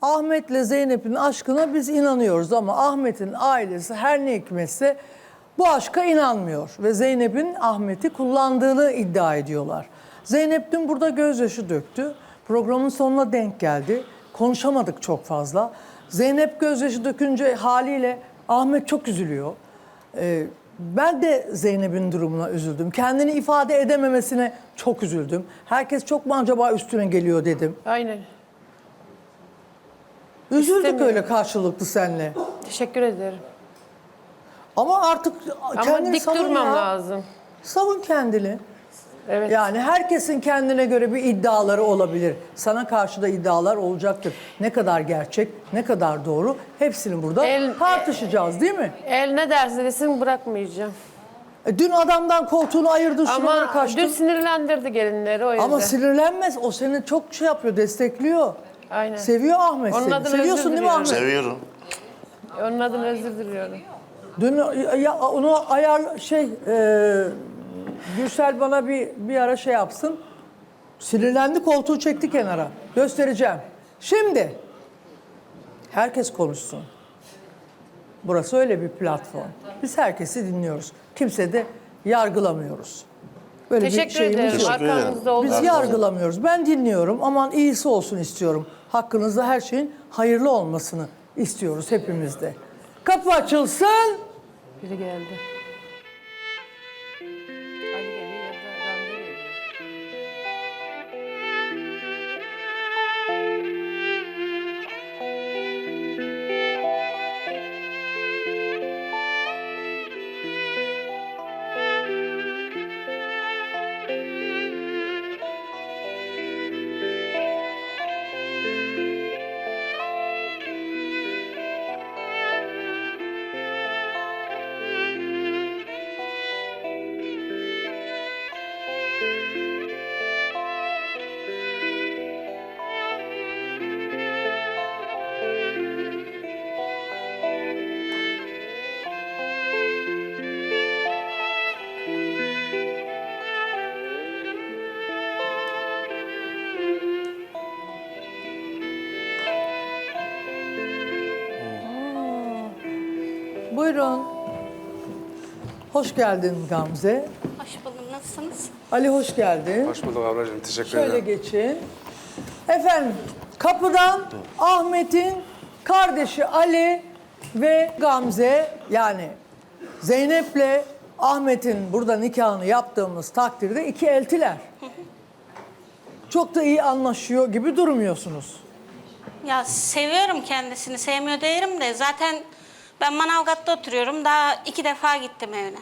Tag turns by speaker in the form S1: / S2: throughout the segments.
S1: Ahmet'le Zeynep'in aşkına biz inanıyoruz ama Ahmet'in ailesi her ne hikmetse bu aşka inanmıyor. Ve Zeynep'in Ahmet'i kullandığını iddia ediyorlar. Zeynep dün burada gözyaşı döktü. Programın sonuna denk geldi. Konuşamadık çok fazla. Zeynep gözyaşı dökünce haliyle Ahmet çok üzülüyor. Ben de Zeynep'in durumuna üzüldüm. Kendini ifade edememesine çok üzüldüm. Herkes çok mu acaba üstüne geliyor dedim.
S2: Aynen.
S1: Üzüldük öyle karşılıklı seninle.
S2: Teşekkür ederim.
S1: Ama artık
S2: Ama
S1: kendini
S2: dik
S1: savun
S2: durmam
S1: ya.
S2: lazım.
S1: Savun kendini.
S2: Evet.
S1: Yani herkesin kendine göre bir iddiaları olabilir. Sana karşı da iddialar olacaktır. Ne kadar gerçek, ne kadar doğru hepsini burada tartışacağız değil mi?
S2: El ne derse desin bırakmayacağım.
S1: Dün adamdan koltuğunu ayırdın, şuralara
S2: Ama
S1: kaçtın.
S2: dün sinirlendirdi gelinleri o yüzden.
S1: Ama sinirlenmez. O seni çok şey yapıyor, destekliyor.
S2: Aynen.
S1: Seviyor Ahmet
S2: Onun
S1: seni.
S2: adına
S1: Seviyorsun
S2: özür
S1: değil mi Ahmet?
S3: Seviyorum.
S2: Onun adına özür diliyorum.
S1: Dün ya, onu Gürsel bana bir ara şey yapsın. Sinirlendi, koltuğu çekti kenara. Göstereceğim. Şimdi herkes konuşsun. Burası öyle bir platform. Biz herkesi dinliyoruz. Kimse de yargılamıyoruz. Böyle
S2: Teşekkür
S1: bir şeyimiz
S2: ederim.
S1: yok.
S2: Arkamızda
S1: Biz
S2: olduğunuz için.
S1: yargılamıyoruz. Ben dinliyorum. Aman iyisi olsun istiyorum. Hakkınızda her şeyin hayırlı olmasını istiyoruz hepimiz de. Kapı açılsın.
S2: Biri geldi. Ali geliyor ya da Gamze geliyor.
S1: Buyurun. Hoş geldin Gamze.
S4: Hoş buldum. Nasılsınız?
S1: Ali hoş geldin.
S5: Hoş bulduk ablacığım. Teşekkür
S1: Şöyle
S5: ederim.
S1: geçin. Efendim kapıdan Ahmet'in kardeşi Ali ve Gamze, yani Zeynep'le Ahmet'in burada nikahını yaptığımız takdirde iki eltiler. Çok da iyi anlaşıyor gibi durmuyorsunuz.
S4: Ya seviyorum kendisini. Sevmiyor değilim de. Zaten ben Manavgat'ta oturuyorum. Daha 2 defa gittim evine.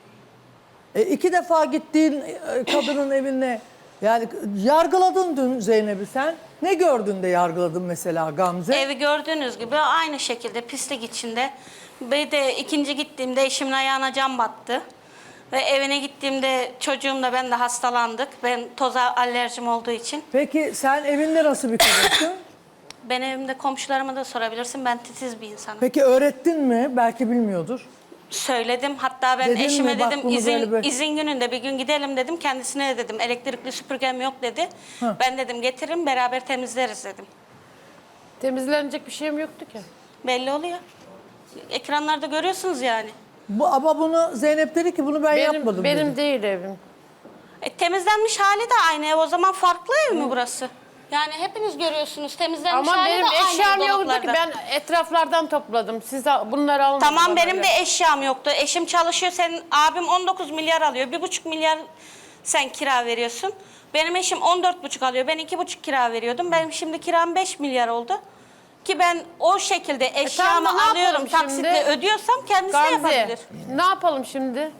S1: İki defa gittiğin kadının evine, yani yargıladın dün Zeynep'i sen. Ne gördün de yargıladın mesela Gamze?
S4: Evi gördüğünüz gibi aynı şekilde pislik içinde. Bir de ikinci gittiğimde eşimin ayağına cam battı. Ve evine gittiğimde çocuğumla ben de hastalandık. Ben toza alerjim olduğu için.
S1: Peki sen evinde nasıl bir kadınsın?
S4: Ben evimde komşularıma da sorabilirsin. Ben titiz bir insanım.
S1: Peki öğrettin mi? Belki bilmiyordur.
S4: Söyledim. Hatta ben
S1: Dedin mi?
S4: eşime
S1: Bak
S4: dedim
S1: bunu böyle böyle.
S4: izin gününde bir gün gidelim dedim. Kendisine de dedim elektrikli süpürgem yok dedi. Ben dedim getiririm beraber temizleriz dedim.
S2: Temizlenecek bir şeyim yoktu ki.
S4: Belli oluyor. Ekranlarda görüyorsunuz yani.
S1: Ama bunu Zeynep dedi ki bunu ben yapmadım
S2: Benim
S1: dedi.
S2: değil evim.
S4: Temizlenmiş hali de aynı ev. O zaman farklı ev mi burası? Yani hepiniz görüyorsunuz temizlenmiş
S2: Ama
S4: hali
S2: benim
S4: de aynı
S2: eşyam
S4: ev
S2: yoktu ki.
S4: dolaplarda.
S2: Ben etraflardan topladım. Siz de bunları alın.
S4: Tamam benim de eşyam yoktu. Eşim çalışıyor. Senin abim 19 milyar alıyor. 1,5 milyar sen kira veriyorsun. Benim eşim 14,5 alıyor. Ben 2,5 kira veriyordum. Benim şimdi kiram 5 milyar oldu. Ki ben o şekilde eşyamı
S2: tamam, ne
S4: alıyorum,
S2: yapalım
S4: taksitle
S2: şimdi?
S4: ödüyorsam kendisi de
S2: Gamze,
S4: yapabilir.
S2: ne yapalım şimdi?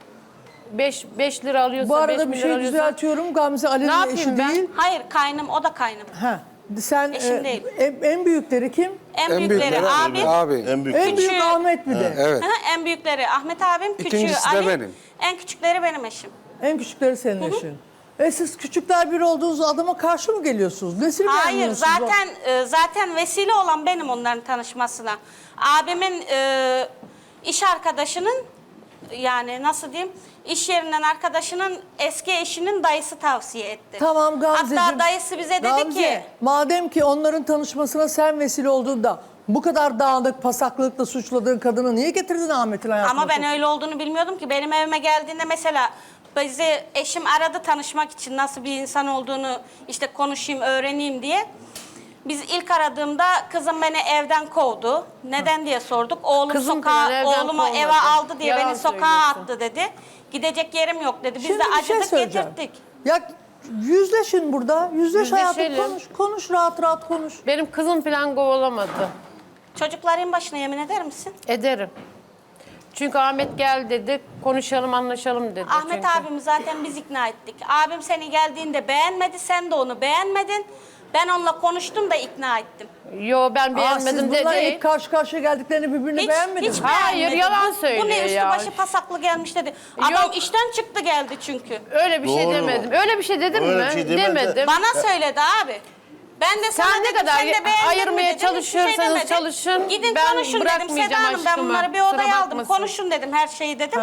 S2: 5 lira alıyorsa,
S1: Bu
S2: 5
S1: arada bir
S2: milyar
S1: şey
S2: alıyorsa.
S1: düzeltiyorum. Gamze
S2: Ne
S1: Ali'nin
S2: yapayım
S1: eşi
S2: ben?
S1: değil.
S4: Hayır kaynım, o da kaynım.
S1: Ha. Sen
S4: Eşim değil.
S1: en büyükleri kim?
S4: En büyükleri abim.
S5: Abi.
S3: En büyük.
S1: En büyük
S4: Küçüğü-
S1: Ahmet bir de.
S5: Evet.
S4: En büyükleri Ahmet abim, küçüğü
S5: İkincisi de
S4: Ali.
S5: benim.
S4: En küçükleri benim eşim.
S1: En küçükleri senin eşin. Siz küçükler biri olduğunuz adama karşı mı geliyorsunuz? Nesini
S4: Hayır
S1: beğenmiyorsunuz?
S4: zaten vesile olan benim onların tanışmasına. Abimin iş arkadaşının yani nasıl diyeyim, iş yerinden arkadaşının eski eşinin dayısı tavsiye etti.
S1: Tamam Gamzeciğim.
S4: Hatta dayısı bize dedi
S1: Gamze,
S4: ki
S1: madem ki onların tanışmasına sen vesile olduğunda bu kadar dağınık, pasaklıkla suçladığın kadını niye getirdin Ahmet'in hayatına?
S4: ama ben öyle olduğunu bilmiyordum ki. Benim evime geldiğinde mesela bizi eşim aradı tanışmak için, nasıl bir insan olduğunu işte konuşayım, öğreneyim diye. Biz ilk aradığımda kızım beni evden kovdu. Neden diye sorduk.
S2: Kızım beni evden
S4: Oğlumu
S2: kovmadı.
S4: eve aldı diye
S2: Yalan
S4: beni sokağa
S2: söylüyorsun.
S4: attı dedi. Gidecek yerim yok dedi. Biz
S1: Şimdi
S4: de
S1: bir şey
S4: acıdık
S1: söyleyeceğim.
S4: getirdik.
S1: Ya yüzleşin burada. Yüzleş hayatım,
S2: Yüzleşelim.
S1: konuş. Konuş, rahat rahat konuş.
S2: Benim kızım falan kovalamadı.
S4: Çocukların başına yemin eder misin?
S2: Ederim. Çünkü Ahmet gel dedi, konuşalım, anlaşalım dedi.
S4: Ahmet
S2: çünkü.
S4: abimi zaten biz ikna ettik. Abim seni geldiğinde beğenmedi, sen de onu beğenmedin. Ben onunla konuştum da ikna ettim.
S2: Yo, ben
S1: Siz
S2: beğenmedim
S1: bunlar
S2: dedi.
S1: ilk karşı karşıya geldiklerini birbirini beğenmediniz.
S4: Hiç
S2: Hayır,
S4: beğenmedi.
S2: yalan
S4: Bu
S2: söylüyor
S4: ne üstü
S2: ya.
S4: başı pasaklı gelmiş dedi. Adam
S2: Yok.
S4: işten çıktı geldi çünkü.
S2: Öyle bir şey
S3: Doğru.
S2: demedim. Öyle bir şey dedim
S3: Öyle
S2: mi?
S3: bir şey demedi.
S2: Demedim.
S4: Bana söyledi abi. Ben de sana
S2: Sen ne
S4: dedim,
S2: kadar
S4: sen de beğendin mi
S2: ayırmaya
S4: dedim, hiçbir
S2: çalışıyorsanız
S4: demedi.
S2: çalışın,
S4: Gidin
S2: ben
S4: konuşun dedim.
S2: bırakmayacağım
S4: Seda Hanım, ben
S2: aşkımı.
S4: bunları bir
S2: Kusura
S4: odaya aldım.
S2: bakmasın.
S4: Konuşun dedim, her şeyi dedim.
S1: Heh.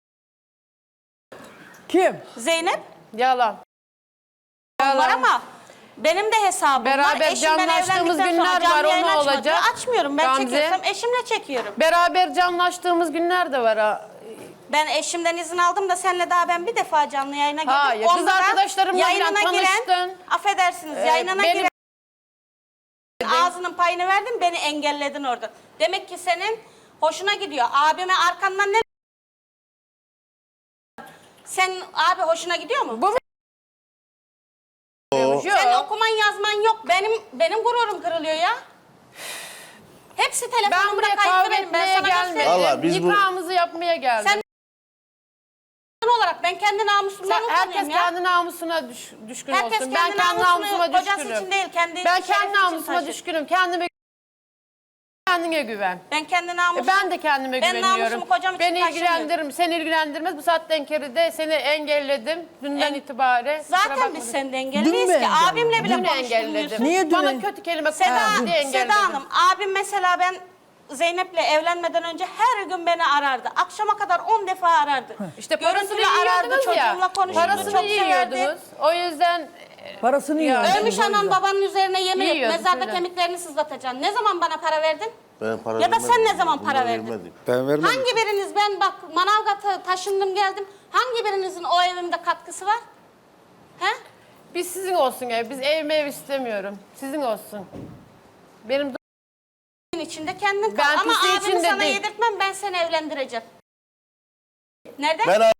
S1: Kim?
S4: Zeynep
S2: Yalan.
S4: var ama benim de hesabım var.
S2: Beraber
S4: Eşim ben
S2: canlaştığımız
S4: evlendikten sonra
S2: günler
S4: canlı
S2: var,
S4: yayın
S2: o ne
S4: açmadı.
S2: olacak?
S4: Açmıyorum. Ben
S2: Gamze.
S4: çekiyorsam eşimle çekiyorum.
S2: Beraber canlaştığımız günler de var ha.
S4: Ben eşimden izin aldım da senle daha ben bir defa canlı yayına girdim.
S2: Hayır, kız
S4: Onda da
S2: arkadaşlarımla
S4: yayınına
S2: falan
S4: giren,
S2: tanıştın.
S4: affedersiniz, yayınına
S2: benim-
S4: giren ağzının payını verdin, beni engelledin orada. Demek ki senin hoşuna gidiyor. Abime arkandan ne... Sen abi hoşuna gidiyor mu?
S2: Bu
S3: O.
S4: Senin okuman yazman yok. Benim gururum kırılıyor ya. Hepsi
S2: Ben
S4: telefonumda
S2: buraya
S4: kayıtlı
S2: kavga
S4: benim. Ben
S2: etmeye
S4: sana
S2: gelmedim.
S4: göstereyim.
S3: Vallahi biz bu-
S2: Nikahımızı yapmaya geldim.
S4: Sen olarak ben kendi namusumdan
S2: Herkes
S4: utanıyorum ya.
S2: kendi namusuna düşkün
S4: Herkes
S2: olsun.
S4: kendi
S2: Ben kendi
S4: namusunu
S2: namusuma
S4: kocası
S2: düşkünüm.
S4: için değil, kendi
S2: Ben
S4: şerefi
S2: kendi
S4: için
S2: namusuma
S4: taşır.
S2: düşkünüm. Kendine güven.
S4: Ben kendi namusum.
S2: Ben de kendime
S4: Ben
S2: güveniyorum.
S4: namusumu kocam için
S2: Beni
S4: taşımıyorum.
S2: ilgilendirir, seni ilgilendirmez. Bu saatten kere de seni engelledim. Dünden itibaren. Kusura
S4: Zaten
S2: bakma.
S4: biz senden
S1: Dün
S4: engelliyiz
S1: mü
S4: ki. Abimle bile
S2: Dün engelledim.
S4: konuşturmuyorsun.
S1: Niye
S2: Bana
S1: dün-
S2: kötü kelime
S4: Seda,
S2: kullandı diye engelledim.
S4: Seda Hanım, abim mesela ben Zeynep'le evlenmeden önce her gün beni arardı. Akşama kadar 10 defa arardı.
S2: İşte parasını
S4: Görüntülü arardı,
S2: yiyordunuz ya.
S4: çocuğumla konuşurdu,
S2: Parasını
S4: çok severdi.
S2: yiyordunuz. O yüzden
S1: Parasını
S2: Ya.
S1: yiyor.
S4: Ölmüş anan babanın üzerine yemin et,
S2: Yiyordu,
S4: mezarda
S2: söyle.
S4: kemiklerini sızlatacaksın. Ne zaman bana para verdin?
S3: Ben para
S4: Ya da sen
S3: vermedim.
S4: ne zaman para
S3: Bunlar
S4: verdin?
S3: vermedi.
S5: Ben vermedim.
S4: Hangi biriniz, ben bak Manavgat'a taşındım geldim. Hangi birinizin o evimde katkısı var? He?
S2: biz sizin olsun ev. Biz ev istemiyorum. Sizin olsun. Benim
S4: İçinde kendin kal.
S2: Ben
S4: Ama
S2: pisliği
S4: abimi
S2: içinde
S4: sana
S2: değil.
S4: yedirtmem, ben seni evlendireceğim. Neden?
S3: Ben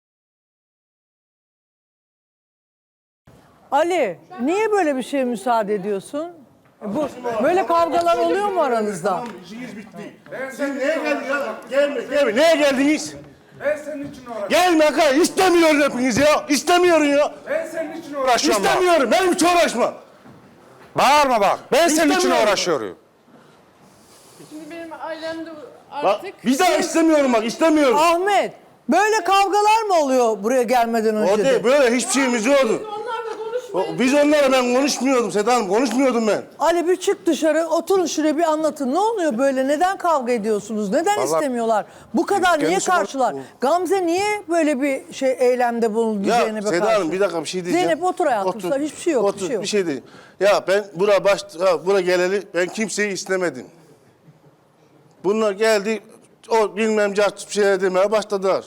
S1: Ali, niye böyle bir şeye müsaade ediyorsun? Bu böyle kavgalar oluyor mu aranızda?
S3: İşiniz bitti. Sen neye geldin ya? Gelme. Neye geldiniz?
S5: Ben senin için uğraşıyorum.
S3: Gelme Hakan. İstemiyorum hepiniz ya. İstemiyorum ya.
S5: Ben senin için uğraşıyorum. bak.
S3: İstemiyorum. Benim hiç uğraşma.
S5: Bağırma bak. Ben senin için
S3: İstemiyorum.
S5: uğraşıyorum.
S2: Şimdi benim ailemde
S3: Bak,
S2: artık
S3: bir daha istemiyorum bak. İstemiyorum.
S1: Ahmet, böyle kavgalar mı oluyor buraya gelmeden önce
S3: O
S1: de?
S3: değil. Böyle hiçbir şeyimiz yoktu.
S2: onlarla konuşmayın.
S3: Biz onlara ben konuşmuyordum Seda Hanım. Konuşmuyordum ben.
S1: Ali bir çık dışarı, oturun şuraya bir anlatın. Ne oluyor böyle? Neden kavga ediyorsunuz? Neden
S5: Vallahi-
S1: istemiyorlar? Bu kadar niye
S5: Kendisi-
S1: karşılar? Gamze niye böyle bir eylemde bulundu
S3: Ya
S1: Zeynep'e
S3: Seda
S1: karşı?
S3: Hanım bir dakika bir şey diyeceğim.
S1: Zeynep otur hayatım. Sen hiçbir şey yok.
S3: Otur,
S1: bir şey yok.
S3: bir şey değil. Ya ben bura geleli ben kimseyi istemedim. Bunlar geldi o bilmem bir şeyler demeye başladılar.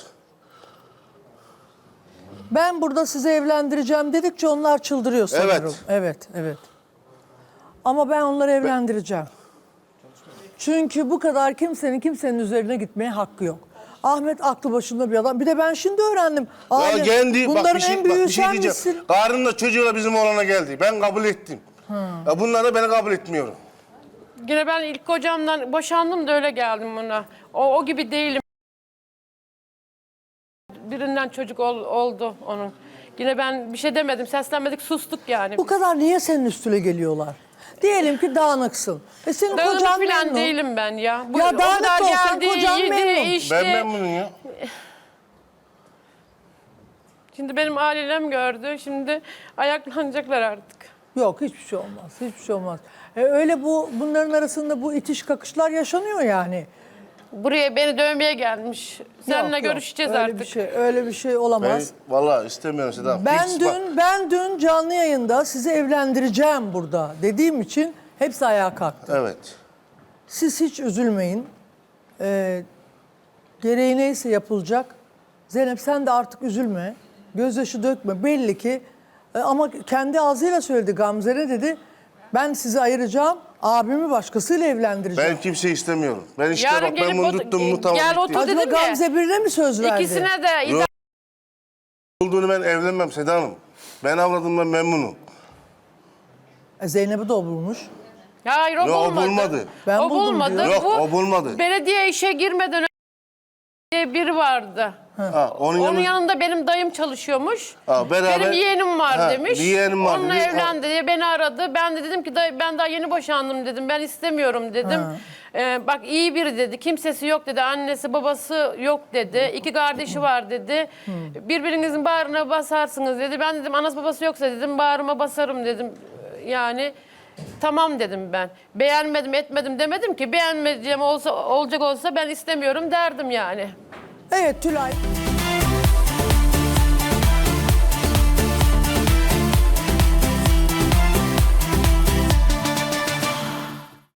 S1: Ben burada sizi evlendireceğim dedikçe onlar çıldırıyor sanırım.
S3: Evet.
S1: Evet. Ama ben onları evlendireceğim. Çünkü bu kadar kimsenin üzerine gitmeye hakkı yok. Ahmet aklı başında bir adam. Bir de ben şimdi öğrendim.
S3: Ya
S1: Aile,
S3: kendi
S1: bunların
S3: bak
S1: en büyüğü
S3: bir şey
S1: sen
S3: diyeceğim.
S1: misin?
S3: Karınla çocuğuyla bizim oğlana geldi. Ben kabul ettim. Ya bunlar da beni kabul etmiyor.
S2: Yine ben ilk kocamdan boşandım da öyle geldim buna. O gibi değilim. Birinden çocuk oldu onun. Yine ben bir şey demedim, seslenmedik, sustuk yani.
S1: Bu kadar niye senin üstüne geliyorlar? Diyelim ki dağınıksın. Senin
S2: Dağınık
S1: kocan
S2: falan
S1: memnun.
S2: değilim ben ya.
S1: Ya
S2: o
S1: dağınık
S2: kadar
S1: da olsan
S2: geldi,
S1: kocan
S2: yedi,
S1: memnun.
S2: içti.
S3: Ben memnunum ya.
S2: Şimdi benim ailem gördü, şimdi ayaklanacaklar artık.
S1: Yok hiçbir şey olmaz. Hiçbir şey olmaz. Öyle bunların arasında bu itiş kakışlar yaşanıyor yani.
S2: Buraya beni dövmeye gelmiş. Seninle
S1: Yok, yok.
S2: görüşeceğiz
S1: öyle
S2: artık.
S1: Öyle bir şey
S3: Ben
S1: olamaz.
S3: vallahi istemiyorum Seda Hanım.
S1: Ben
S3: Fix bak.
S1: dün canlı yayında sizi evlendireceğim burada dediğim için hepsi ayağa kalktı.
S3: Evet.
S1: Siz hiç üzülmeyin. Gereği neyse yapılacak. Zeynep sen de artık üzülme. Gözyaşı dökme. Belli ki ama kendi ağzıyla söyledi, Gamze ne dedi? Ben sizi ayıracağım. Abimi başkasıyla evlendireceğim.
S3: Ben kimseyi istemiyorum. Ben işte
S2: Yarın
S3: bak ben
S2: gelip
S3: bunu
S2: otur-
S3: tuttum mu tamam
S2: gel
S3: bitti.
S2: otur.
S1: Acaba
S2: dedim ya.
S1: Gamze birine mi söz verdi?
S2: İkisine de
S3: Yok. Olduğunu ben evlenmem Seda Hanım. Ben avradımdan memnunum.
S1: Zeynep'i de o bulmuş.
S2: Hayır o
S3: Yok, o
S2: bulmadı.
S3: bulmadı.
S1: Ben
S2: o
S1: buldum
S2: bulmadı.
S1: diyor.
S3: Yok,
S2: Bu
S3: o bulmadı.
S2: Belediye işe girmeden önce diye biri vardı.
S3: Ha,
S2: Onun yanında benim dayım çalışıyormuş.
S3: Ha, beraber-
S2: Benim yeğenim var
S3: Ha,
S2: demiş.
S3: bir yeğenim var
S2: Onunla
S3: dedi.
S2: evlendi diye beni aradı. Ben de dedim ki dayı, ben daha yeni boşandım dedim. Ben istemiyorum dedim. Bak iyi biri dedi. Kimsesi yok dedi. Annesi babası yok dedi. 2 kardeşi var dedi. Birbirinizin bağrına basarsınız dedi. Ben dedim anası babası yoksa dedim bağrıma basarım dedim. Yani tamam dedim ben. Beğenmedim etmedim demedim ki. Beğenmeyeceğim olacak olsa ben istemiyorum derdim yani.
S1: Evet Tülay.